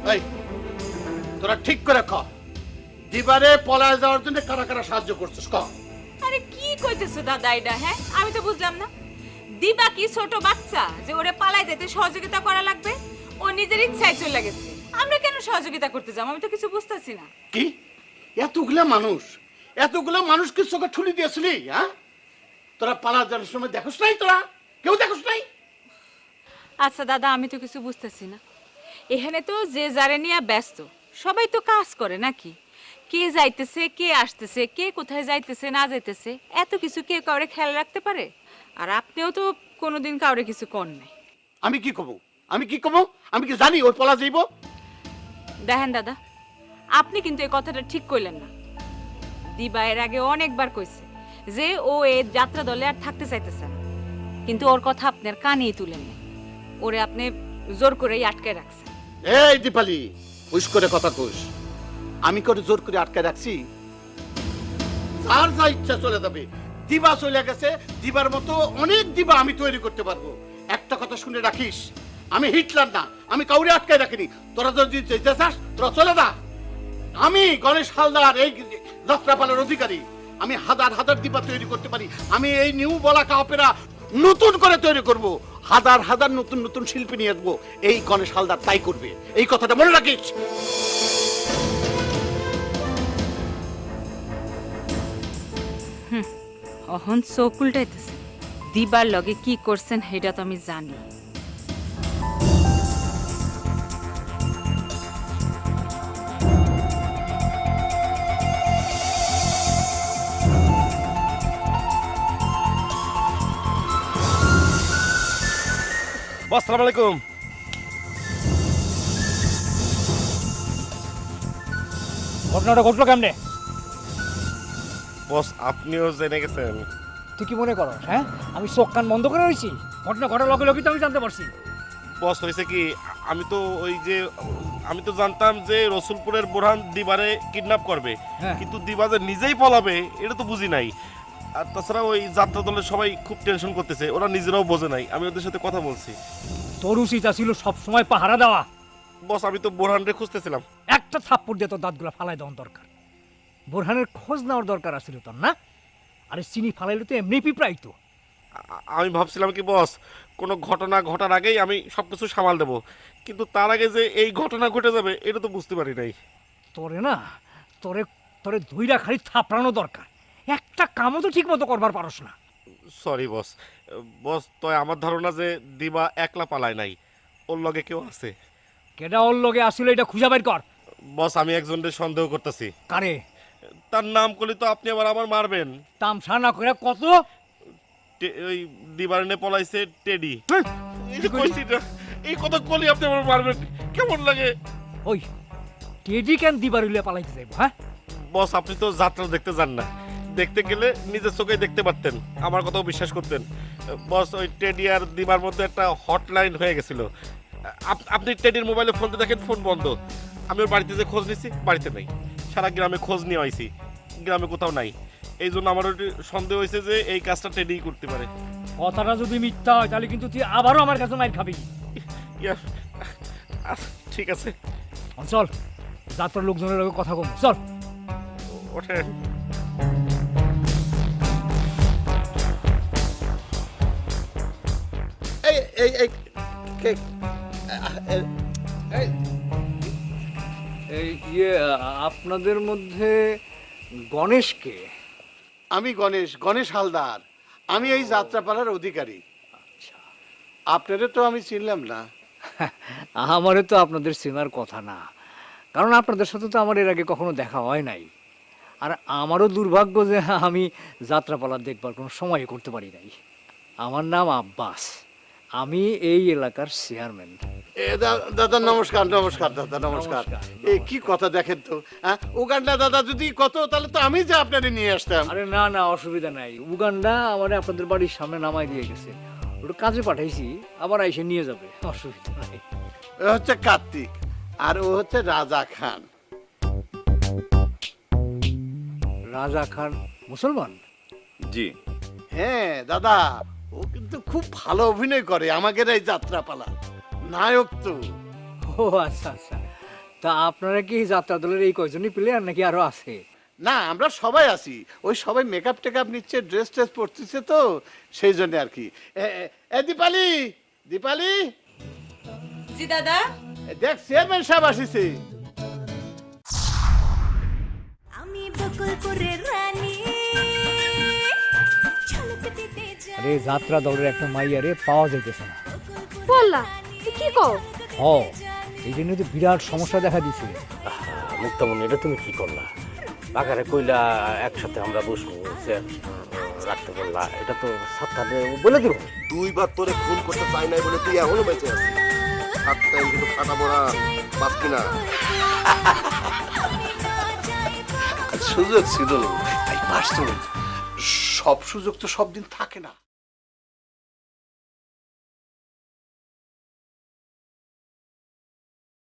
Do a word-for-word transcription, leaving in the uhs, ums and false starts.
এই তোরা ঠিক করে ক, দিবারে পলায় যাওয়ার জন্য কারা কারা সাহায্য করছিস ক। আরে কি কইতেছো দাদা এটা? হ্যাঁ, আমি তো বুঝলাম না। দিবা কি ছোট বাচ্চা যে ওরে পালাই যেতে সহযোগিতা করা লাগবে? ও নিজের ইচ্ছায় চলে গেছে, আমরা কেন সহযোগিতা করতে যাব? আমি তো কিছু বুঝতেছি না। কি এতগুলা মানুষ, এতগুলা মানুষকে চোখে ঠুলি দিয়েছিলি? হ্যাঁ, তোরা পালা যাওয়ার সময় দেখোস নাই? তোরা কেউ দেখোস নাই? আচ্ছা দাদা, আমি তো কিছু বুঝতেছি না। এখানে তো যে যারে নিয়ে ব্যস্ত, সবাই তো কাজ করে নাকি? কে যাইতেছে, কে আসতেছে, কে কোথায় যাইতেছে না যাইতেছে, এত কিছু কে কাউরে খেয়াল রাখতে পারে? আর আপনিও তো কোনোদিন কাউরে কিছু কর নাই। আমি কি কব? আমি কি কব? আমি কি জানি ওই পলা যাইব? দেখেন দাদা, আপনি কিন্তু এই কথাটা ঠিক কইলেন না। দিবা এর আগে অনেকবার কইছে যে ও এই যাত্রা দলে আর থাকতে চাইতেছে না, কিন্তু ওর কথা আপনার কানেই তুলেন না। ওরে আপনি জোর করেই আটকে রাখছেন। এই দীপালি, হুশ করে কথা কইস। আমি করে জোর করে আটকে রাখছি? আর যা ইচ্ছা চলে যাবে। দিবা চলে গেছে, দিবার মতো অনেক দিবা আমি তৈরি করতে পারবো। একটা কথা শুনে রাখিস, আমি হিটলার না, আমি কাউরে আটকে রাখিনি। তোরা যদি যেতে চাস তোরা চলে যা। আমি গণেশ হালদার, এই যাত্রাপালার অধিকারী। আমি হাজার হাজার দিবা তৈরি করতে পারি। আমি এই নিউ বলাকা অপেরা নতুন করে তৈরি করব, হাজার হাজার নতুন নতুন শিল্পী নিয়ে আসবো। এই গণেশ হালদার তাই করবে, এই কথাটা মনে রাখিস। অহন চোখ উল্টাইতেছে। দিবার লগে কি করছেন সেটা তো আমি জানি। আসসালামু আলাইকুম। ঘটনাটা ঘটলো কেমনে? বস, আপনিও জেনে গেছেন? তুই কি মনে করো? হ্যাঁ, আমি চোখ কান বন্ধ করে রয়েছি? ঘটনা ঘটার লগে লগে তো আমি জানতে পারছি। বস, হয়েছে কি, আমি তো ওই যে আমি তো জানতাম যে রসুলপুরের বোরহান দিবারে কিডন্যাপ করবে, হ্যাঁ। কিন্তু দিবা যে নিজেই পলাবে এটা তো বুঝি নাই। আর তাছাড়া ওই যাত্রা দলের সবাই খুব টেনশন করতেছে, ওরা নিজেরাও বোঝে নাই। আমি ওদের সাথে কথা বলছি। তোর উচিত ছিল সব সময় পাহারা দেওয়া। বস, আমি তো বোরহানরে খুঁজতেছিলাম। একটা থাপ্পড় দিয়ে তোর দাঁতগুলো ফালাই দেওয়ার দরকার। বোরহানের খোঁজ নেওয়ার দরকার আছিল তোর, না? আরে চিনি ফালাইলে তো এমনি পিঁপড়াই তো। আ- আমি ভাবছিলাম কি বস, কোনো ঘটনা ঘটার আগেই আমি সব কিছু সামাল দেবো, কিন্তু তার আগে যে এই ঘটনা ঘটে যাবে এটা তো বুঝতে পারি নাই। তোরে না, তোরে তোরে দুইটা খালি থাপড়ানো দরকার। একটা কামও তো ঠিক মতো করবার পারস না। Sorry boss. বস, তো আমার ধারণা যে দিবা একলা পালায় নাই, ওর লগে কেউ আছে। কেডা ওর লগে আসলে এটা খুঁজে বের কর। বস, আমি একজনের সন্দেহ করতেছি। কারে? তার নাম করলে তো আপনি আবার আমার মারবেন। তামসা না করে কত? টে- ওই দিবারনে পলাইছে টেডি। হ্যাঁ, এই যে কইছি না, এই কথা কলি আপনি আমার মারবেন, কেমন লাগে? ওই টেডি কেন দিবার হইলে পালাইতে যাইব? হ্যাঁ, বস, আপনি তো যাত্রা দেখতে যান না, দেখতে গেলে নিজের চোখেই দেখতে পারতেন, আমার কথাও বিশ্বাস করতেন। বস, ওই টেডি আর দিবার মধ্যে একটা হটলাইন হয়ে গেছিল। আপ- আপনি টেডির মোবাইলে ফোনতে দেখেন ফোন বন্ধ। আমি ওর বাড়িতে যে খোঁজ নিছি, বাড়িতে নাই। সারা গ্রামে খোঁজ নিয়ে আইছি, গ্রামে কোথাও নাই। এই জন্য আমার ওটি সন্দেহ হয়েছে যে এই কাজটা টেডিই করতে পারে। কথাটা যদি মিথ্যা হয় তাহলে কিন্তু তুই আবারও আমার কাছে মাইর খাবি। ইয়া, আহ, ঠিক আছে, চল, যাত্রার লোকজনের লগে কথা কম। চল। ওঠেন। এই এই এই কে- এ- এই এই ইয়ে আপনাদের মধ্যে গণেশকে? আমি গণেশ, গণেশ হালদার। আমি এই যাত্রাপালার অধিকারী। আপনারে তো আমি চিনলাম না। আমারে তো আপনাদের চেনার কথা না, কারণ আপনাদের সাথে তো আমার এর আগে কখনো দেখা হয় নাই। আর আমারও দুর্ভাগ্য যে আমি যাত্রাপালা দেখবার কোনো সময় করতে পারি নাই। আমার নাম আব্বাস, আমি এই এলাকার চেয়ারম্যান। এ দা- দাদা নমস্কার। নমস্কার দাদা, নমস্কার। নমস্কার, এই কি কথা দেখেন তো, হ্যাঁ? উগান্ডা দাদা যদি কত, তাহলে তো আমি যে আপনারে নিয়ে আসতাম। আরে না না, অসুবিধা নাই। উগান্ডা আমারে আপনাদের বাড়ির সামনে নামাই দিয়ে গেছে, ওটা কাজে পাঠাইছি, আবার এসে নিয়ে যাবে, অসুবিধা নাই। ও হচ্ছে কার্তিক, আর ও হচ্ছে রাজা খান। রাজা খান মুসলমান? জি। হ্যাঁ দাদা, ও কিন্তু খুব ভালো অভিনয় করে আমাদের এই যাত্রাপালা, নায়ক তো। ও আচ্ছা আচ্ছা, তা আপনারা কি যাত্রা দলের এই কয়জনই প্লেয়ার নাকি আরো আছে? না আমরা সবাই আছি, ওই সবাই মেকআপ টেকআপ নিচ্ছে, ড্রেস ট্রেস পরতেছে তো সেই জন্য আর কি। এ- এ- এ দীপালি, দীপালি, জি দাদা। এ দেখ চেয়ারম্যান সাহেব আসিছে। আমি বকুলপুরের রানী ঝলক দিতে যাই আরে যাত্রা দলের একটা মাইয়ারে পাওয়া যাইতেছে না। বললা কি কও? হ, এই জন্য তো বিরাট সমস্যা দেখা দিছে। মুক্তামণি, এটা তুমি কি করলা? বাগারে কইলা একসাথে আমরা বসবো, যে রাখতে বললা, এটা তো সাতটাতে বলে দিব। দুইবার তোরে খুন করতে চাই নাই বলে তুই এখনো বেঁচে আছিস। সাত টাইম কিন্তু ফাটা পড়া বাঁচবি না। সুযোগ ছিল তাই পারছো। সব সুযোগ তো সব দিন থাকে না।